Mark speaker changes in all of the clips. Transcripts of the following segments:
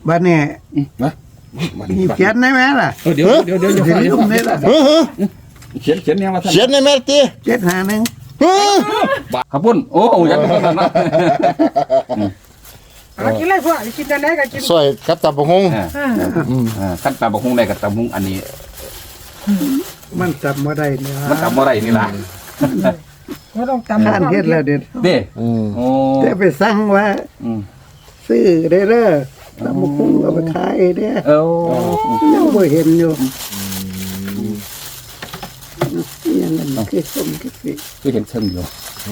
Speaker 1: บ้านเนี่ยนะมีเขียนได้ไหมล่ะ
Speaker 2: เดี๋ยว
Speaker 1: ลืมได้ล่ะ
Speaker 2: เขียนเนี่ยมา
Speaker 3: เขียนในแม่ตี
Speaker 1: 751
Speaker 2: ขับปุ่นโอ้ยังไม่ทันนะ
Speaker 4: กินอะไรพวกกินกันได้กันกิน
Speaker 3: ซอยกับตำบักฮง
Speaker 2: ขั้นตาบกฮงได้กับตามุงอันนี้
Speaker 1: มันจำว่าได้เนี่ย
Speaker 2: มันจำว่าไรนี่ล่ะ
Speaker 4: ก็ต้องจำ
Speaker 1: ท่านเฮ็ดแล้วเด็ด
Speaker 2: เด้โอ้
Speaker 1: แต่ไปสั่งว่าซื้อได้เด้อตำบักหุ่งเอาไปขายเด้อยังบ่เห็นอยู่ยังนั่นคือส้มคือ
Speaker 2: เห็นเชิงอยู่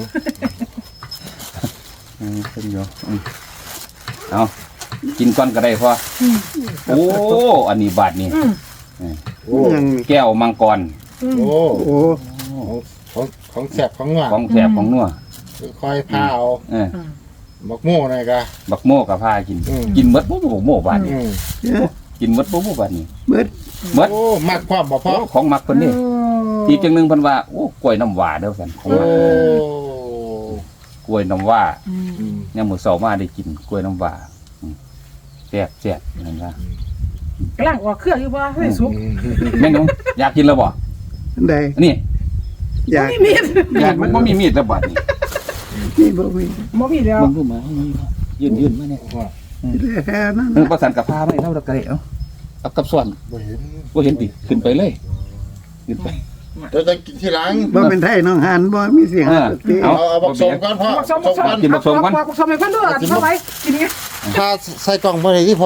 Speaker 2: เชิงอยู่เอากินก้อนก็ได้พอโอ้อันนี้บาทนี่แก้วมังกร
Speaker 3: โอ้ของแสบของนัวค่อยพาเอาบักโม่หน่อยกะ
Speaker 2: บักโม่กับพากินมดบักโม่บาทนี่กินมดบักโม่บาทนี่มด
Speaker 3: โอ้มักความบ่พอ
Speaker 2: ของมักคนนี้อีกจังนึงเพิ่นว่าโอ้กล้วยน้ำว้าเด้อซั่นของมักกล้วยน้ำว้ายังมื้อเช้ามาได้กินกล้วยน้ำว้าแซ่บนั่นว่
Speaker 4: ากำลังออกเครื่องอยู่บ่ให้สุก
Speaker 2: แม่น้องอยากกินแล้วบ่
Speaker 1: ได้
Speaker 2: นี่
Speaker 1: อยาก
Speaker 2: มันบ่มีมีดแล้วบาดนี้
Speaker 1: นี่บ่มี
Speaker 4: แล้ว
Speaker 2: มันรู้มายืนมาเนี่ย
Speaker 1: แค่นั้น
Speaker 2: ประสานกับผ้าไม่เท่าตะกระเดะเอากับส่วนบ่เห็นติขึ้นไปเลยขึ้นไป
Speaker 3: จะกินที่หลัง
Speaker 1: บ่เป็นไทยน้องหันบ่มีเสียง
Speaker 3: เอาบักสมก่อนพ่อ
Speaker 2: กินบักสมก่อน
Speaker 4: บักสมให้เพิ่นด้วยเข้าไปกินไง
Speaker 3: ถ้าใส่กล่องบ่ได้ที่พ่อ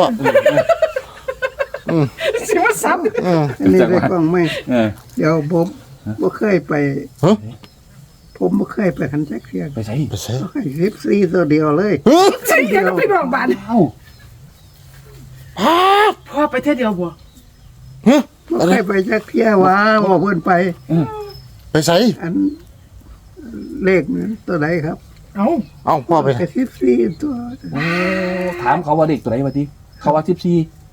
Speaker 4: สิว่าซ้
Speaker 1: ำอันนี้ได้กล้องไหมเดี๋ยวผมบ่เคยไปผมบ่เคยไปคันจักเที่ย
Speaker 2: ไปใส่
Speaker 1: 14ตัวเดียวเลย
Speaker 4: ใช่เดียวไปโรงพยาบาลพ่อไปเที่ยวเดียวบ่
Speaker 1: บ่เคยไปจักเที่ยว่าบ่เพิ่นไป
Speaker 3: ใส่
Speaker 1: อันเลขนั้นตัวใดครับ
Speaker 3: เอาพ่อไป
Speaker 1: 14ตัว
Speaker 2: ถามเขาว่าเด็กตัวไหนวะติเขาว่า14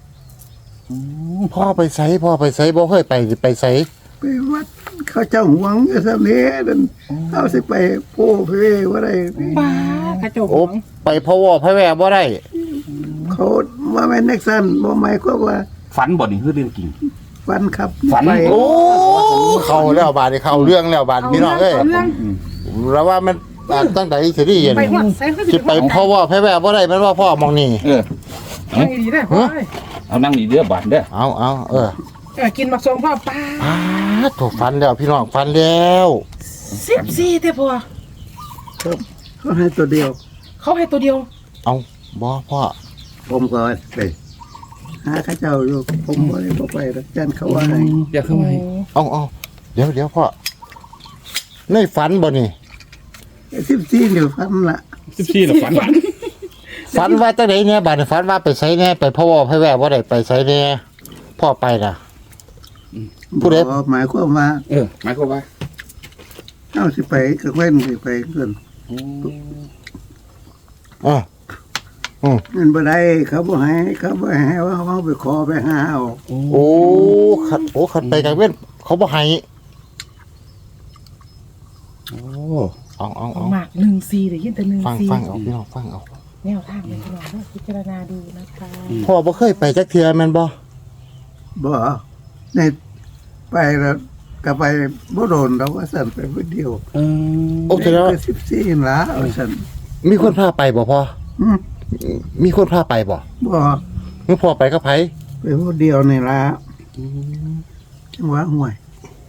Speaker 3: พ่อไปใส่บ่เคยไปใส่
Speaker 1: ไปวัดเขาเจ้าหวงอยู่ซั่นนี้นั่นเอาสิไปโป้เพว่าได้
Speaker 4: ป้ากระจก
Speaker 3: โอ้ไปพ่อวอพ่อแว่บ่ได้
Speaker 1: เขาว่าแม่นนักสั่นบ่หมายความว่า
Speaker 2: ฝันบ่นี่คือเรื่องจริง
Speaker 1: ฝันครับ
Speaker 2: ฝัน
Speaker 3: โอ้เข้าแล้วบาดนี่เข้าเรื่องแล้วบาดพี่น้องเอ้ยแล้วว่ามันตั้งแต่สิได้เห็นสิไปพ่อวอพ่อแว่บ่ได้มันว่าพ่อมองนี่
Speaker 4: นั่งดีได้พ่อ
Speaker 2: เอานั่งนี่เด้อบาดเด้อ
Speaker 4: เอากินมักสมพ่อป้า
Speaker 3: ถูกฟันแล้วพี่น้องฟันแล้ว
Speaker 4: 14เด้อพ่อ
Speaker 1: เขาให้ตัวเดียว
Speaker 3: เอาบ่พ่อ
Speaker 1: ผมก็ไปหาเขาเจ้าอยู่ผมบ่ได้บ่ไปจันเขาว่าให้
Speaker 2: อยากเข้ามา
Speaker 3: เอาเดี๋ยวพ่อในฝันบ่นี่
Speaker 1: 14เดี๋ยวฝันละ
Speaker 2: 14น่ะ
Speaker 3: ฝันว่าจังได๋เนี่ยบาดฝันว่าไปไสแน่ไปพ่อวอพ่อแว่บ่ได้ไปไสแน่พ่อไปล่ะผู้ใด
Speaker 1: หมายความว่า
Speaker 2: หมายความว่า
Speaker 1: เอาสิไปก็เว้นสิไปเพิ่นมันบ่ได้เขาบ่ให้ว่าเขาไปขอไปหาเอา
Speaker 3: ขัดไปกลางเว้นเขาบ่ให้เอา
Speaker 4: หมาก14ได้ยินแต่14
Speaker 3: ฟังเอาพี่น้องฟังเอา
Speaker 4: แนวทางเป็นพี่น้องพิจารณาดูนะคะ
Speaker 3: พ่อบ่เคยไปจักเทื่อแม่นบ่
Speaker 1: ในไปแล้วก็ไปบ่โดนเราว่าสั่นไปผู้เดียว
Speaker 3: โอเคแล้ว
Speaker 1: 14ล่ะสั่น
Speaker 3: มีคนพาไปบ่พ่อมีคนพาไปบ่มึงพ่อไปกับไผ
Speaker 1: ไปผู้เดียวนี่ล่ะจังหวะห่วย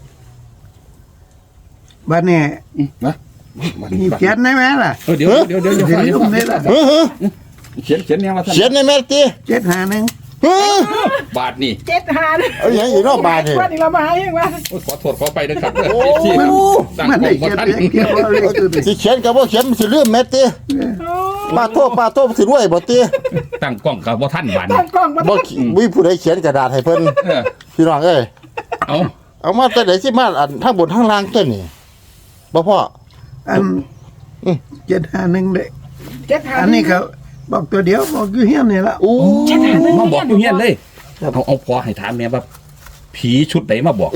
Speaker 1: บ้านนี้นะมีเขียนได้ไหมล่ะ
Speaker 2: เดี๋ยว
Speaker 1: ลืมได้ล่ะ
Speaker 2: เขียนเนี่ยมา
Speaker 3: เขียนในแม่ติ
Speaker 1: 751
Speaker 2: บาทนี่
Speaker 4: 7-5
Speaker 3: เอาอย่างอีกเนาะบาทนี่
Speaker 4: ว่านี่เรามาหาเองว่า
Speaker 2: ขอโทษขอไปนะครับ
Speaker 1: มันได้เขียน
Speaker 3: สิเขียนก็บ่เขียนสิลืมแม่ติป้าโทษสิรวยบ่ติ
Speaker 2: ตั้งกล้องก็บ่ทันบาด
Speaker 4: นี้
Speaker 3: บ่มีผู้ใดเขียนกระดาษให้เพิ่นพี่น้องเอ้ยเอามาแต่ไหนสิมาอันทางบนทางล่างตัวนี่บ่พ่อ
Speaker 1: อัน751เด้อันนี้เขาบอกตัวเดียวบอกอยู่เฮียนนี่ละ
Speaker 2: มาบอกอยู่เฮียนเลยเอาพอให้ถามแม่ว่าผีชุดไหนมาบอก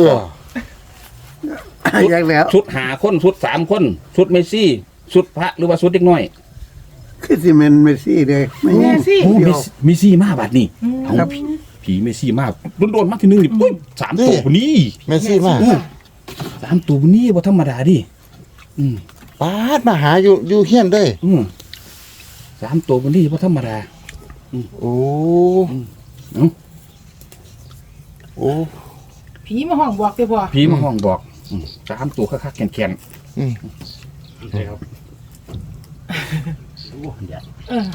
Speaker 1: อย่างแล้ว
Speaker 2: ชุด5คนชุด3คนชุดเมสซี่ชุดพระหรือว่าชุดเด็กน้อย
Speaker 1: คือสิเมนเมสซี่เลยไม่ใช่
Speaker 4: ซี่
Speaker 2: โอ้มีซี่มาบัดนี่เอา
Speaker 1: ครับ
Speaker 2: ผีเมซี่มาโดนๆมาทีนึงนี่ปุ้ย3ตัวพุ่นนี่
Speaker 3: เมสซี่มา
Speaker 2: 3ตัวพุ่นนี่บ่ธรรมดาดิอืม
Speaker 3: ปาดมาหาอยู่เฮียนเด้ย
Speaker 2: 3ตัวพุ่นนี่บ่ธรรมดา
Speaker 3: โอ้
Speaker 2: เอ้า
Speaker 3: โอ้
Speaker 4: ผีมาห้องบอกเด้อพ่อ
Speaker 2: ผีมาห้องบอก3ตัวคักๆแข็ง
Speaker 3: อืม
Speaker 2: ๆใช่ครับโอ้ย
Speaker 4: เออ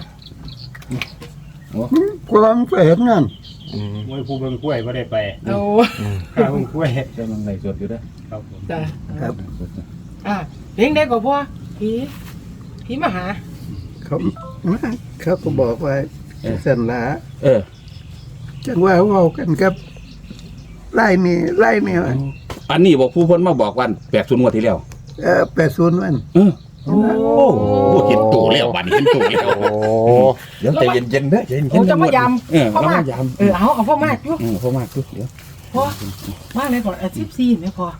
Speaker 1: กูลองไปเห็นงาน
Speaker 5: มวยผู้เบิ่งกล้วยบ่ได้ไป
Speaker 4: โอ้
Speaker 5: ข้าเบิ่งกล้วย
Speaker 2: กำลังไล่สดอยู่เด้อ
Speaker 5: ครับผม
Speaker 4: จ้ะ
Speaker 1: ครับ
Speaker 4: เลี้ยงได้กว่าพ่อผีมาหา
Speaker 1: เขาก็บอกว่าสันละ
Speaker 2: เออ
Speaker 1: จังว่าเว้ากันครับไล่นี่ว่า
Speaker 2: อันนี้บอกผู้เพิ่นมาบอกวัน80งวดที่แล้ว
Speaker 1: 80วัน
Speaker 2: โอ้เห็นตัวแล้วบัดนี้เห็นตัวแล้ว
Speaker 3: โอ้
Speaker 2: เดี๋ยวใจเย็นๆเด้อใจเย็นๆ
Speaker 4: โอ้จะมายำ
Speaker 2: พ่อมายำ
Speaker 4: เอาพ่อมากอยู่
Speaker 2: พ่อมากเดี๋ยว
Speaker 4: พ่อมาเลยก่อน14เนี่ยพ่อ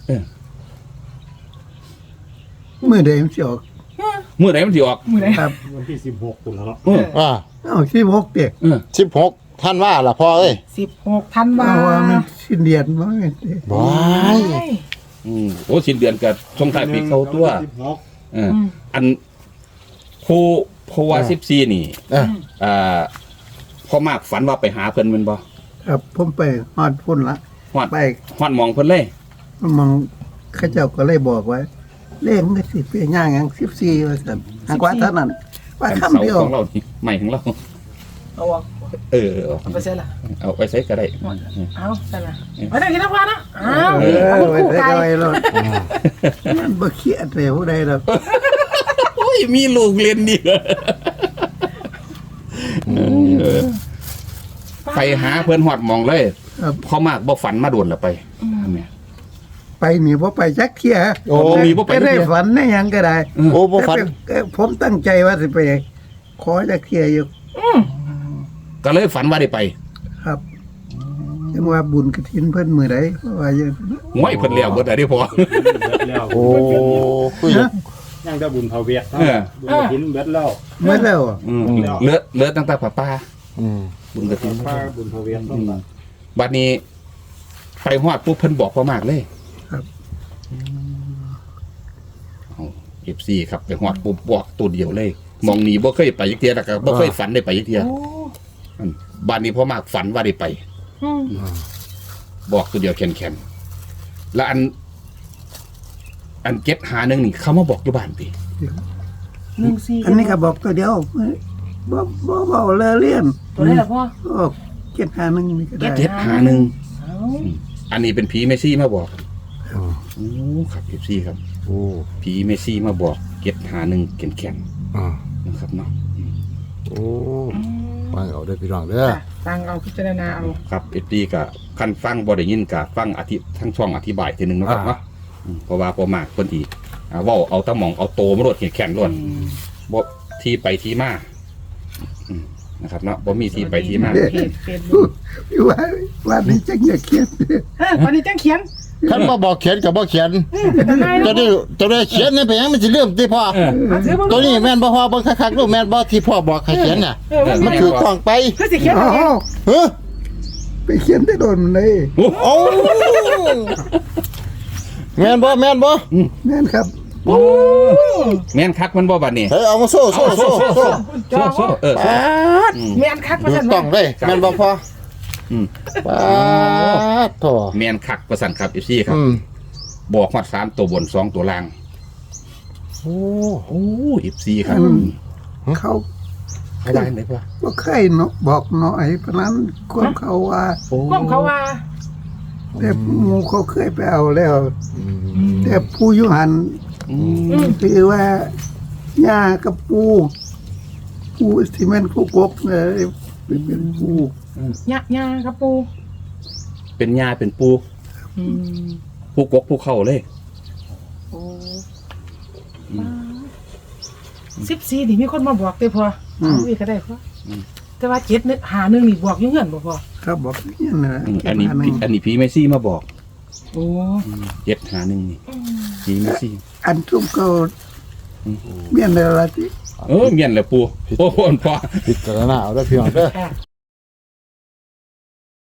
Speaker 1: มื้อใดมันสิออก
Speaker 2: มื้อไหนมันสิออก
Speaker 4: มื้อไหน
Speaker 1: ครับ
Speaker 5: วันที่16ตุลาเนาะ
Speaker 3: อ่า
Speaker 1: 16เด็ก
Speaker 3: 16ท่านว่าล่ะพ่อเอ้ย
Speaker 4: 16ธันวา
Speaker 1: ว่ามันสิ้นเดือนบ่แม่นเด้
Speaker 3: บาย
Speaker 2: โอ้สิ้นเดือนกับช่วงท้ายปีเข้าตัว อันผู้ว่า14นี่ พ่อมากฝันว่าไปหาเพิ่นแม่นบ่
Speaker 1: ครับผมไปฮอดพุ่นละ
Speaker 2: ฮอด
Speaker 1: ไป
Speaker 2: ฮอดหมองเพิ่นเลย
Speaker 1: มองเขาเจ้าก็เลยบอกว่าเลขมันก็สิเป็นย่างหยัง14ว่าซั่นหากว่าเท่านั้นว่า
Speaker 2: อัน
Speaker 1: คำ
Speaker 2: เสา
Speaker 1: เดียว
Speaker 2: ของเรานี่ใหม่ของเรา
Speaker 4: เอาออก
Speaker 2: เอา
Speaker 4: ไปเสร็จละ
Speaker 2: เอาไปใช้ก็ได้
Speaker 4: เอาเสร็จละไปได้กินน้ำปลานะเอา
Speaker 1: ไว้ใส่ก็ไว้รถมันบ่เครียดเลยผู้ใดดอก
Speaker 2: โอ้ยมีลูกเรียนนี่ไปหาเพิ่นฮอดหมองเลย
Speaker 1: ครับ
Speaker 2: พ่อมากบ่ฝันมาโดนละไปอันเนี้ย
Speaker 1: ไปนี่บ่ไปจักเที่ย
Speaker 3: โอ้
Speaker 2: มีบ่ไป
Speaker 1: ไม่
Speaker 2: จักเที่
Speaker 1: ได้
Speaker 2: ย
Speaker 1: ฝันในหยังก็ได้
Speaker 3: โอ้บ่ฝัน
Speaker 1: แต่ผมตั้งใจว่าสิไปขอจักเที่ยอยู่
Speaker 2: ก็เลยฝันว่าได้ไป
Speaker 1: ครับยังว่าบุญกฐินเพิ่นมื้อใดเพราะว่าอย่าง
Speaker 2: ห้วยเพิ่นแล้วเบิดได้พอ
Speaker 5: แล้ว
Speaker 3: โอ้คุย
Speaker 5: ยังได้บุญเผาเวียด
Speaker 2: เออ
Speaker 5: บุญกฐินเบิดแล้ว
Speaker 1: เมื่อแล้วอะ
Speaker 2: เหลือตั้งแต่ป้า
Speaker 3: อืม
Speaker 2: บุญกระถิ่น
Speaker 5: ป้าบุญเผาเวียดต้องมา
Speaker 2: บัดนี้ไปฮอดปุ๊บเพิ่นบอกพ่อมากเลย
Speaker 1: ครับ
Speaker 2: FC ครับไปฮอดปุ๊บบอกตัวเดียวเลยมองหนีบ่เคยไปจักเที่ยแล้วก็บ่เคยฝันได้ไปจักเที่ยบัดนี้พ่อมากฝันว่าได้ไป บอกตัวเดียวแข็งๆแล้วอันเก็ตหาหนึงนี่เขามาบอกอยู่บ้านติ
Speaker 4: 14
Speaker 1: อันนี้ก็บอกตัวเดียวบ่เว้าเลอะเลี่ยน
Speaker 4: ตัวนี้แหละพ่อ
Speaker 1: ก็เก็บหาหนึงนี่ก็ได้
Speaker 2: เก็ตหาหนึง
Speaker 4: เอา
Speaker 2: อันนี้เป็นผีเมซี่มาบอกโอ้ครับ FC ครับ
Speaker 3: โอ้
Speaker 2: ผีเมซี่มาบอกเก็ตหาหนึงแข็ง
Speaker 3: อ่า
Speaker 2: ๆนะครับเนาะ
Speaker 3: โอ้ฟังเอาได้อพี่น้องเด้อ
Speaker 4: ฟังเอาพิจารณาเอา
Speaker 2: ครับ FC ก็คันฟังบ่ได้ยินก็ฟังทั้งช่องอธิบายทีหนึงเนาะครับเนาะเพราะว่าพอมากเพิ่นที่เว้าเอาตะหม่องเอาโตมาโลดแข็งๆโลดบ่ที่ไปที่มานะครับเนาะบ่มีที่ไปที่มา
Speaker 4: เพจเฟซบุ๊ก
Speaker 1: ว่านี่จังอย่าเครียด
Speaker 4: วันนี้จังเขียน
Speaker 3: คันบ่บอกเขียนก็บ่เขียน
Speaker 4: เป็นยังไง
Speaker 3: จะได้เขียนนี่ไปหยังมันสิลืมติพ่อ
Speaker 4: ถือมึง
Speaker 3: ตัวนี้แม่นบ่พ่อเบิ่งคักๆดูแม่นบ่ที่พ่อบอกให้เขียนน่ะมันคือกล้องไป
Speaker 4: คือสิเขียน
Speaker 1: อ๋
Speaker 4: เอาเอง
Speaker 1: อ
Speaker 3: เฮ้อ
Speaker 1: ไปเขียนได้โดนเลย
Speaker 3: โอ้แม่นบ่แม่นบ่
Speaker 1: นั่นครับ
Speaker 2: แม่นคักมันบ่บัดนี้
Speaker 3: เฮ้ยเอามาโซ่โซ่โซ่โซ่
Speaker 4: จอ
Speaker 2: โซ่เออ
Speaker 3: ปาด
Speaker 4: แม่นคักมา
Speaker 3: ดู
Speaker 4: สั่น
Speaker 3: ต้
Speaker 4: ว่า
Speaker 3: องเลยแม่นบ่พ่อ
Speaker 2: อืม
Speaker 3: ปาดโถ
Speaker 2: แม่นคักประสันครับ FC ครับ
Speaker 3: อืม
Speaker 2: บอกฮอด3ตัวบน2ตัวล่าง
Speaker 3: โอ้
Speaker 2: โอ้ FC ครับ
Speaker 1: เขา
Speaker 2: เขาว่าจังได๋พ่อ
Speaker 1: บ่เคยเนาะบอกหน่อยเพราะนั้นความเขาว่า
Speaker 4: ก้มเขาว่า
Speaker 1: แต่หมู่เขาเคยไปเอาแล้ว แต่ผู้อยู่หัน
Speaker 2: อืม
Speaker 1: คือว่าย่ากับปูที่แม่นคู่กบเลยเป็นปู
Speaker 4: ยาครับปู
Speaker 2: เป็นยาเป็นปูผู้กกผู้เข้าเลย
Speaker 4: โอ้14นี่มีคนมาบอกเด้อพ่อเอาอีกก็ได้พ่อแต่ว่า7นึกหานึงนี่บอกอยู่เฮือนบ่พ่อ
Speaker 1: ครับบอกนี่นะ
Speaker 2: อันนี้
Speaker 1: เก็บหาหนึ่ง
Speaker 2: อันนี้ผีเมซี่มาบอก
Speaker 4: โอ้
Speaker 2: เจ็ดหาหนึ่งนี่ผีเมซี่
Speaker 1: อันทุ่มก็เมียนอะไรที่
Speaker 2: เมียนแหละปูโอ้โหพ่อ
Speaker 3: พิจารณาเอาเด้อพี่น้องเด้อ
Speaker 4: ค่ะ